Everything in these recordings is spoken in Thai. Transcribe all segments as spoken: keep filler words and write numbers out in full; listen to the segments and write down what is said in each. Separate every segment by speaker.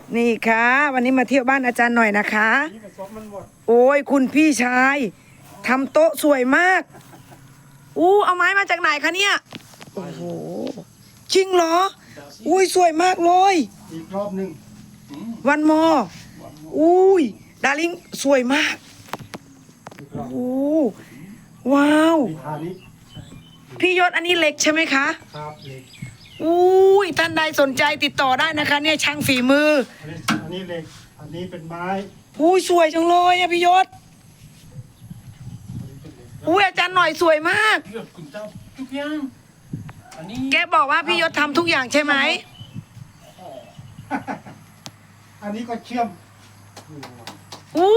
Speaker 1: นี่ค่ะวันนี้มาเที่ยวบ้านอาจารย์หน่อยนะคะโอ้ยคุณพี่ชายทำโต๊ะสวยมากอู้เอาไม้มาจากไหนคะเนี่ยโอ้โหจริงเหรออุ้ยสวยมากเลย
Speaker 2: อีกรอบหนึ่ง
Speaker 1: วันมออุ้ยดาริงสวยมากโอ้โหว้าวพี่ยศอันนี้เหล็กใช่ไหมคะ
Speaker 2: ครับเหล็ก
Speaker 1: อุ้ยท่านใดสนใจติดต่อได้นะคะเนี่ยช่างฝีมือ
Speaker 2: อันนี้เหล็กอันนี้เป็นไม้
Speaker 1: อุ้ยสวยจังเลยอะพี่ยศอุ้ยอาจารย์หน่อยสวยมาก
Speaker 2: ทุกอย่างอันนี้
Speaker 1: แกบอกว่าพี่ยศทำทุกอย่างใช่ไหม
Speaker 2: อันนี้ก็เชื่อม
Speaker 1: อู้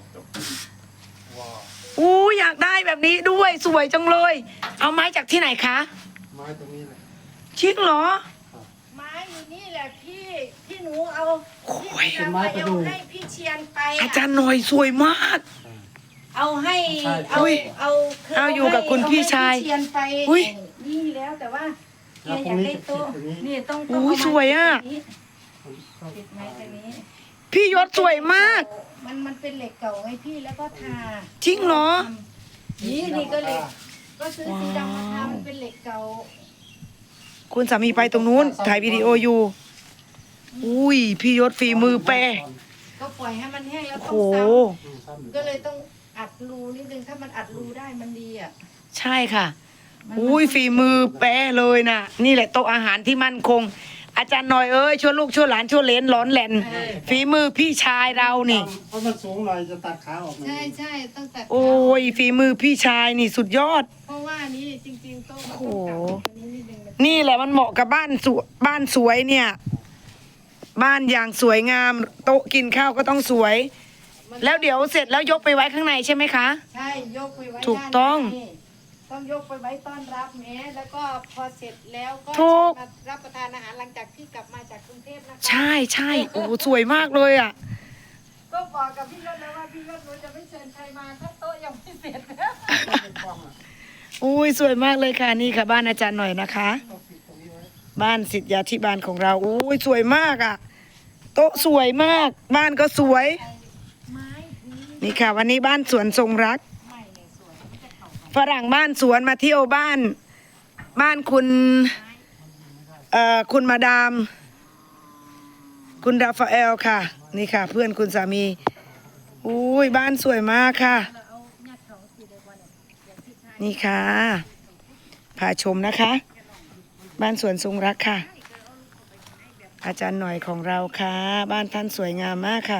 Speaker 1: อู้อยากได้แบบนี้ด้วยสวยจังเลยเอาไม้จากที่ไหนคะ
Speaker 2: ไม้ตรงนี้เลย
Speaker 1: ชิคเหรอ
Speaker 3: ไม้อยู่นี่แหละพี่ที่หนูเอา
Speaker 1: ที่
Speaker 3: เอาไปเอาให้พี่เชียนไป
Speaker 1: อาจารย์หน่อยสวยมาก
Speaker 3: เอาให้เอาเอา
Speaker 1: เอาอยู่กับคุณพี่ชาย
Speaker 3: เชียนไปนี่แล้วแต่ว่าแกอยากได้โต๊ะนี่ต้องต้อง
Speaker 1: อู้สวยอ่ะ
Speaker 3: ติดไม้ตรงนี้
Speaker 1: พี่ยศสวยมาก
Speaker 3: มันมันเป็นเหล็กเก่าไงพี่แล้วก็ทา
Speaker 1: จริงเหรอ
Speaker 3: นี่นี่ก็เหล็กก็ซื้อสีดำมาทามันเป็นเหล็กเก่า
Speaker 1: คุณสามีไปตรงนู้นถ่ายวิดีโออยู่อุ้ยพี่ยศฝีมือแปร
Speaker 3: ก็ปล่อยให้มันแห้งแล้วต้องซ้ำก็เลยต้องอัดรูนิดนึงถ้ามันอัดรูได้มันดีอ่ะ
Speaker 1: ใช่ค่ะอุ้ยฝีมือแปรเลยนะนี่แหละโต๊ะอาหารที่มั่นคงอาจารย์หน่อยเอ้ยชวนลูกชวนหลานชวนเลนร้อนแหลนฝีมือพี่ชายเรานี่
Speaker 2: เพราะมันสูงหน่อยจะตัดขาออก
Speaker 3: ใช่ใช่ต้องตัด
Speaker 1: โอ้ยฝีมือพี่ชายนี่สุดยอด
Speaker 3: เพราะว่านี่จริงๆโต๊ะ
Speaker 1: โอ้นี่แหละมันเหมาะกับบ้านสวยบ้านสวยเนี่ยบ้านอย่างสวยงามโต๊ะกินข้าวก็ต้องสวยแล้วเดี๋ยวเสร็จแล้วยกไปไว้ข้างในใช่ไหมคะ
Speaker 3: ใช่ยกไปไว้
Speaker 1: ถูกต้อง
Speaker 3: ต้องยกไปไว้ต้อนรับแม่แล้วก็พอเสร็จแล้วก็มารับประทานอาหารหลังจากที่กลับมาจากกรุงเทพนะคะ
Speaker 1: ใช่ใช่โอ้สวยมากเลยอ่ะ
Speaker 3: ก็บอกกับพี่ยศแล้วว่าพี่ยศหนูจะไม่เชิญใครมาถ้าโต๊ะยังไม่เสร็จ
Speaker 1: อุ้ยสวยมากเลยค่ะนี่ค่ะบ้านอาจารย์หน่อยนะคะบ้านศิษยาธิบาลของเราอุ้ยสวยมากอ่ะโต๊ะสวยมากบ้านก็สวยนี่ค่ะวันนี้บ้านสวนทรงรักฝรั่งบ้านสวนมาเที่ยวบ้านบ้านคุณเอ่อคุณมาดามคุณราฟาเอลค่ะนี่ค่ะเพื่อนคุณสามีอุ้ยบ้านสวยมากค่ะนี่ค่ะพาชมนะคะบ้านสวนทรงรักค่ะอาจารย์หน่อยของเราค่ะบ้านท่านสวยงามมากค่ะ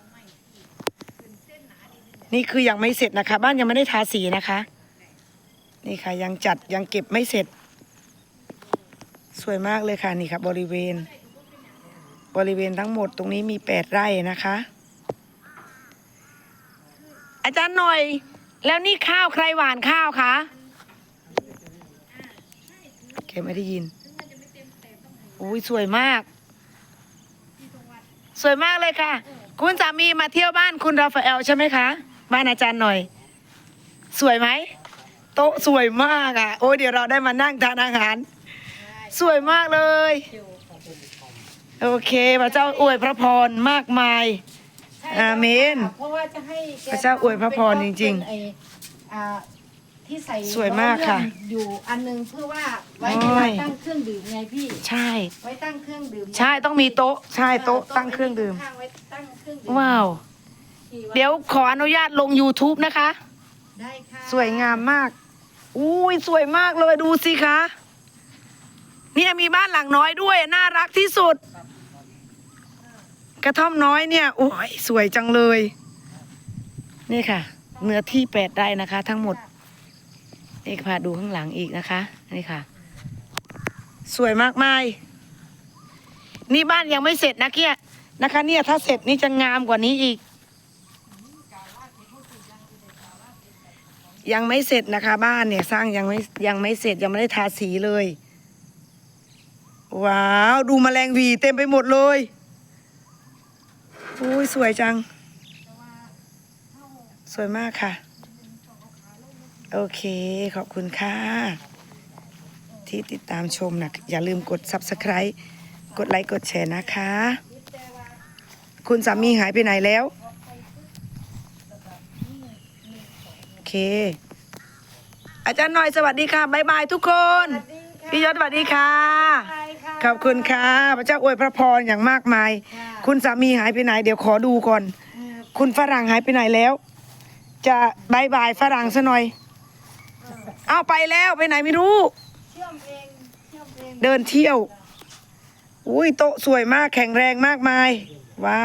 Speaker 1: นี่คือยังไม่เสร็จนะคะบ้านยังไม่ได้ทาสีนะคะนี่ค่ะยังจัดยังเก็บไม่เสร็จสวยมากเลยค่ะนี่ค่ะบริเวณบริเวณทั้งหมดตรงนี้มีแปดไร่นะคะอาจารย์หน่อยแล้วนี่ข้าวใครหวานข้าวคะแกไม่ได้ยินอุ้ยสวยมากสวยมากเลยค่ะคุณสามีมาเที่ยวบ้านคุณราฟาเอลใช่ไหมคะบ้านอาจารย์หน่อยสวยไหมโต๊ะสวยมากอ่ะโอ้ยเดี๋ยวเราได้มานั่งทานอาหารสวยมากเลยโอเคพระเจ้าอวยพระพรมากมายอาเมน
Speaker 3: เพราะว่าจะให้
Speaker 1: พระเจ้าอวยพระพรจริงๆ
Speaker 3: ที่ใส่
Speaker 1: สวยมากค่ะ
Speaker 3: อยู่อันนึงเพื่อว่าไว้เวลาตั้งเครื่องดื่มไงพี่
Speaker 1: ใช่
Speaker 3: ไว้ตั้งเครื่องดื่ม
Speaker 1: ใช่ต้องมีโต๊ะใช่โต๊ะตั้งเครื่องดื่มว้าวเดี๋ยวขออนุญาตลง ยูทูบ นะคะ
Speaker 3: ได้ค่ะ
Speaker 1: สวยงามมากอุ้ยสวยมากเลยดูสิคะเนี่ยมีบ้านหลังน้อยด้วยน่ารักที่สุดกระท่อมน้อยเนี่ยโอ้ยสวยจังเลยนี่ค่ะเนื้อที่แปดไร่นะคะทั้งหมดนี่พาดูข้างหลังอีกนะคะนี่ค่ะสวยมากมายนี่บ้านยังไม่เสร็จนะเกี้ยนะคะเนี่ยถ้าเสร็จนี่จะงามกว่านี้อีกยังไม่เสร็จนะคะบ้านเนี่ยสร้างยังไม่ยังไม่เสร็จยังไม่ได้ทาสีเลยว้าวดูแมลงวีเต็มไปหมดเลยอุ้ยสวยจังสวยมากค่ะโอเคขอบคุณค่ะที่ติดตามชมนะอย่าลืมกด ซับสไครบ์ กดไลค์กดแชร์นะคะคุณสามีหายไปไหนแล้วโอเค อาจารย์หน่อยสวัสดีค่ะบ๊ายบายทุกคน
Speaker 3: สวัสดีค่ะ
Speaker 1: พี่ยศสวัสดีค่ะ
Speaker 3: ใช่ค่ะ
Speaker 1: ขอบคุณค่ะพระเจ้าอวยพระพรอย่างมากมาย
Speaker 3: ค่ะ
Speaker 1: คุณสามีหายไปไหน เดี๋ยวขอดูก่อน คุณฝรั่งหายไปไหนแล้ว จะบายบายฝรั่งซะหน่อย เอาไปแล้วไปไหนไม่รู้
Speaker 3: เชื่อมเองเชื่อมเอง
Speaker 1: เดินเที่ยว อุ้ยโต๊ะสวยมากแข็งแรงมากมาย ว้าว